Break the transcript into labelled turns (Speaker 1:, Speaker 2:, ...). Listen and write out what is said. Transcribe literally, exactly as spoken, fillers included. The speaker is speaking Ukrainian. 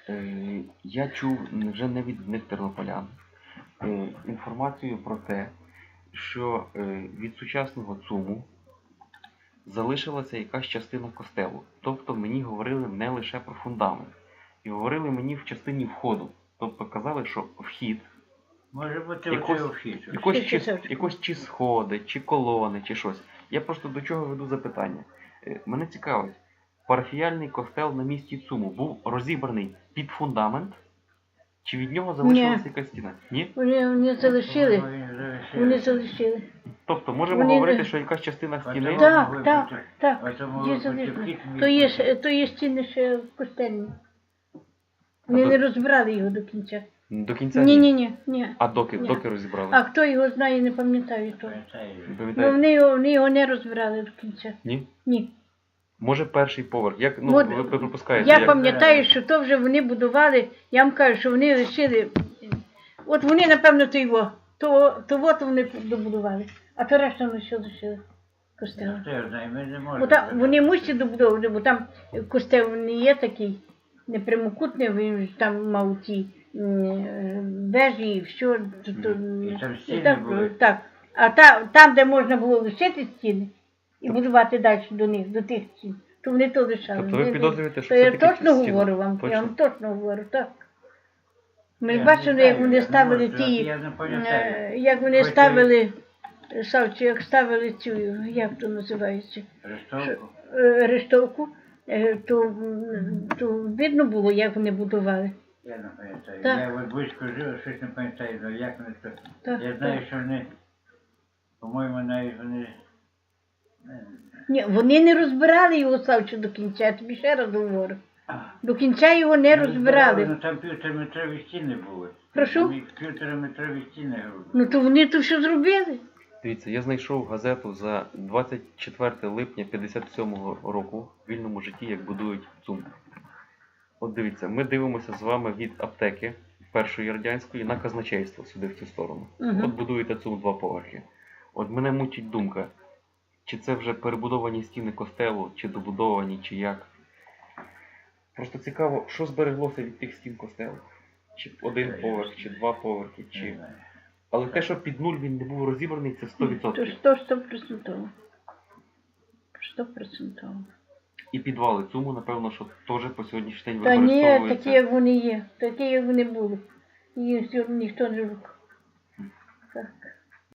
Speaker 1: Е, Я чув вже не від одних тернополян е, інформацію про те, що е, від сучасного ЦУМу залишилася якась частина костелу. Тобто мені говорили не лише про фундамент. І говорили мені в частині входу. Тобто казали, що вхід,
Speaker 2: Може бути
Speaker 1: якось,
Speaker 2: оцей вхід.
Speaker 1: якось,
Speaker 3: Вхід,
Speaker 1: чи,
Speaker 3: вхід.
Speaker 1: якось чи сходи, чи колони, чи щось. Я просто до чого веду запитання. Е, Мене цікавить, парафіяльний костел на місці ЦУМу був розібраний під фундамент, чи від нього залишилася якась стіна? Ні?
Speaker 3: Вони, вони залишили. Вони залишили.
Speaker 1: Тобто можемо
Speaker 3: Вони
Speaker 1: говорити,
Speaker 3: не-
Speaker 1: що якась частина стіни...
Speaker 3: Так, так, так.
Speaker 2: Оцьому
Speaker 3: Є
Speaker 2: випадку
Speaker 3: залишили.
Speaker 2: вхід
Speaker 3: То є,
Speaker 2: міг
Speaker 3: ж- то є стіни ще костельні. Вони
Speaker 1: А
Speaker 3: не
Speaker 1: то-
Speaker 3: розбирали його до кінця.
Speaker 1: До кінця
Speaker 3: Ні, ні, ні, ні.
Speaker 1: А доки,
Speaker 3: Ні.
Speaker 1: доки розібрали?
Speaker 3: А хто його знає, не пам'ятаю того.
Speaker 2: пам'ятаю.
Speaker 1: Не
Speaker 3: Ну,
Speaker 1: пам'ятаєте?
Speaker 3: вони його, вони його не розбирали до кінця.
Speaker 1: Ні?
Speaker 3: Ні.
Speaker 1: Може перший поверх? Як, ну,
Speaker 3: От
Speaker 1: ви, ви припускаєте?
Speaker 3: Я
Speaker 1: як-
Speaker 3: пам'ятаю, що то вже вони будували, я вам кажу, що вони лишили. От вони, напевно, то його. То, то от вони добудували. А то решта вони ще лишили костел.
Speaker 2: Хто його знає, ми не
Speaker 3: Бо
Speaker 2: можемо.
Speaker 3: там, вони мусять добудовувати, бо там костел не є такий, не прямокутний, він ж там мав ті м, вежі і все. То, то,
Speaker 2: І там
Speaker 3: і
Speaker 2: стіни
Speaker 3: там,
Speaker 2: були.
Speaker 3: так. А та, там, де можна було лишити стіни і будувати далі до них, до тих стін, то вони то лишали.
Speaker 1: Тобто ви
Speaker 3: Вони-
Speaker 1: підозрюєте, що
Speaker 3: то я
Speaker 1: все-таки
Speaker 3: точно
Speaker 1: стіна?
Speaker 3: говорю вам,
Speaker 1: Точно?
Speaker 3: я вам точно говорю, так. Ми
Speaker 2: Я не
Speaker 3: бачили,
Speaker 2: знаю,
Speaker 3: як вони
Speaker 2: я не
Speaker 3: ставили
Speaker 2: можу,
Speaker 3: ті,
Speaker 2: я не пам'ятаю.
Speaker 3: е, як вони
Speaker 2: Хоч і-
Speaker 3: ставили, Савчі, як ставили цю, як то називається,
Speaker 2: Рештовку.
Speaker 3: е, рештовку, е, то, м, то видно було, як вони будували.
Speaker 2: Я не пам'ятаю.
Speaker 3: Так.
Speaker 2: Я от близько жив, щось не пам'ятаю, але як вони це.
Speaker 3: Так,
Speaker 2: Я знаю,
Speaker 3: так.
Speaker 2: що вони, по-моєму, навіть вони. е,
Speaker 3: Ні, вони не розбирали його, Савчу, до кінця, я тобі ще раз говорю.
Speaker 2: а,
Speaker 3: До кінця його не розбирали.
Speaker 2: Ну там півтораметрові стіни були.
Speaker 3: Прошу?
Speaker 2: Там їх Півтораметрові стіни грубо.
Speaker 3: Ну то вони то що зробили?
Speaker 1: Дивіться, я знайшов газету за двадцять четверте липня п'ятдесят сьомого року в вільному житті, як будують ЦУМ. От дивіться, ми дивимося з вами від аптеки першої радянської на казначейство сюди в цю сторону.
Speaker 3: Мгм.
Speaker 1: От будуєте ЦУМ два поверхи. От мене мучить думка, чи це вже перебудовані стіни костелу, чи добудовані, чи як. Просто цікаво, що збереглося від тих стін костелу. Чи один поверх, чи два поверхи,
Speaker 2: Не
Speaker 1: чи...
Speaker 2: знаю.
Speaker 1: Але те, що під нуль він не був розібраний, це сто
Speaker 3: То
Speaker 1: відсотків.
Speaker 3: сто стопроцентово. Стопроцентово.
Speaker 1: І підвали ЦУМу, напевно, що теж по сьогоднішній день
Speaker 3: Та ні,
Speaker 1: використовуються.
Speaker 3: такі як вони є, такі як вони були. Їх ніхто не рухав. Так.